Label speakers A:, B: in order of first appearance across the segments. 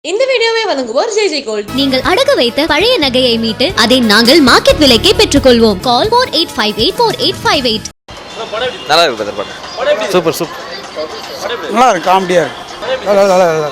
A: இந்த வீடியோவை வழங்குவோர் ஜெய் ஜெய் கோல்ட்.
B: நீங்கள் அடகு வைத்த பழைய நகையை மீட்டு அதை நாங்கள் மார்க்கெட் விலைக்கே பெற்றுக்கொள்வோம். கால் 48584858.
C: நல்லா இருக்கு பிரதர் படம். Super super.
D: நல்லா இருக்கு, காமெடியா இருக்கு. நல்லா நல்லா நல்லா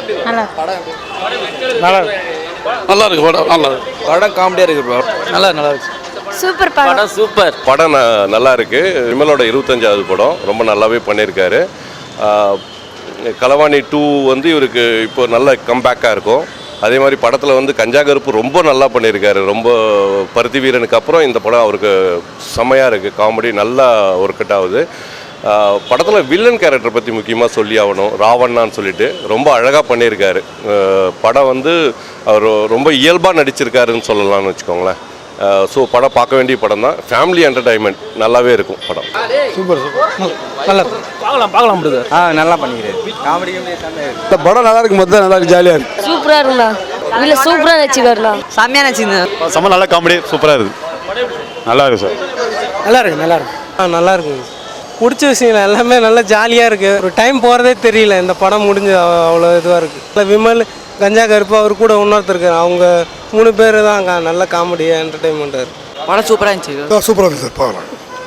C: நல்லா இருக்கு படம். நல்லா இருக்கு படம், காமெடியா இருக்கு ப்ரோ. நல்லா இருக்கு.
E: சூப்பர் படம்.
C: சூப்பர்
F: படம் நல்லா இருக்கு. விமலோட 25வது படம் ரொம்ப நல்லாவே பண்ணியிருக்காரு. களவாணி 2 வந்து இவருக்கு இப்போ நல்ல கம்பேக்காக இருக்கும். அதே மாதிரி படத்தில் வந்து கஞ்சா கருப்பு ரொம்ப நல்லா பண்ணியிருக்காரு. ரொம்ப பருத்தி வீரனுக்கு அப்புறம் இந்த படம் அவருக்கு செம்மையாக இருக்குது. காமெடி நல்லா ஒர்க் அவுட் ஆகுது. படத்தில் வில்லன் கேரக்டரை பற்றி முக்கியமாக சொல்லி ஆகணும். ராவண்ணான்னு சொல்லிட்டு ரொம்ப அழகாக பண்ணியிருக்காரு. படம் வந்து அவர் ரொம்ப இயல்பாக நடிச்சிருக்காருன்னு சொல்லலாம்னு வச்சுக்கோங்களேன். ஸோ படம் பார்க்க வேண்டிய படம் தான். ஃபேமிலி என்டர்டைன்மெண்ட் நல்லாவே இருக்கும் படம்.
D: Super super. நல்லா பார்க்கலாம் பிரதர்.
C: நல்லா பண்ணிக்கிறேன். காமெடி
D: இந்த படம் நல்லா இருக்கு. மொத்தம் நல்லா இருக்கு, ஜாலியாக இருக்கு.
E: சூப்பரா இருக்குண்ணா. இல்ல சூப்பரா நடிச்சிருக்காருண்ணா. செம்மையா நடிச்சிருந்தேன்.
G: செம்ம நல்லா காமெடி சூப்பராக இருக்குது. நல்லா இருக்கு சார்.
D: நல்லா இருக்கு நல்லா இருக்கு.
H: நல்லா இருக்குங்க. பிடிச்ச விஷயம் எல்லாமே நல்லா ஜாலியாக இருக்குது. ஒரு டைம் போகிறதே தெரியல. இந்த படம் முடிஞ்சு அவ்வளோ இதுவாக இருக்குது. விமல், கஞ்சா கருப்பு, அவர் கூட இன்னொருத்தர் இருக்காரு. அவங்க 3 பேர் தான் நல்ல காமெடியாக என்டர்டைன்மெண்ட்டாக இருக்குது.
E: படம் சூப்பராக இருந்துச்சு.
D: சூப்பராக இருக்கு சார், பார்க்கலாம்.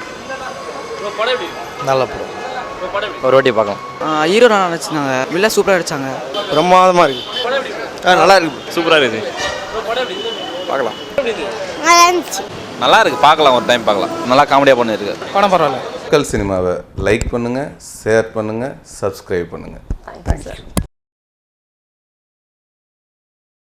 C: நல்ல படம். ஒரு வாட்டி பார்க்கலாம்.
E: ஹீரோ நல்லா நடிச்சிருந்தாங்க. வில்ல சூப்பராக நடிச்சாங்க.
D: பிரமாதமாக இருக்கு.
C: நல்லா இருக்கு. சூப்பராக இருக்குது. பார்க்கலாம். நல்லா இருக்கு. பார்க்கலாம், ஒரு டைம் பார்க்கலாம். நல்லா காமெடியாக பண்ணியிருக்கு.
H: படம் பரவாயில்ல.
I: மக்கள் சினிமாவை லைக் பண்ணுங்கள், ஷேர் பண்ணுங்கள், சப்ஸ்கிரைப் பண்ணுங்கள்.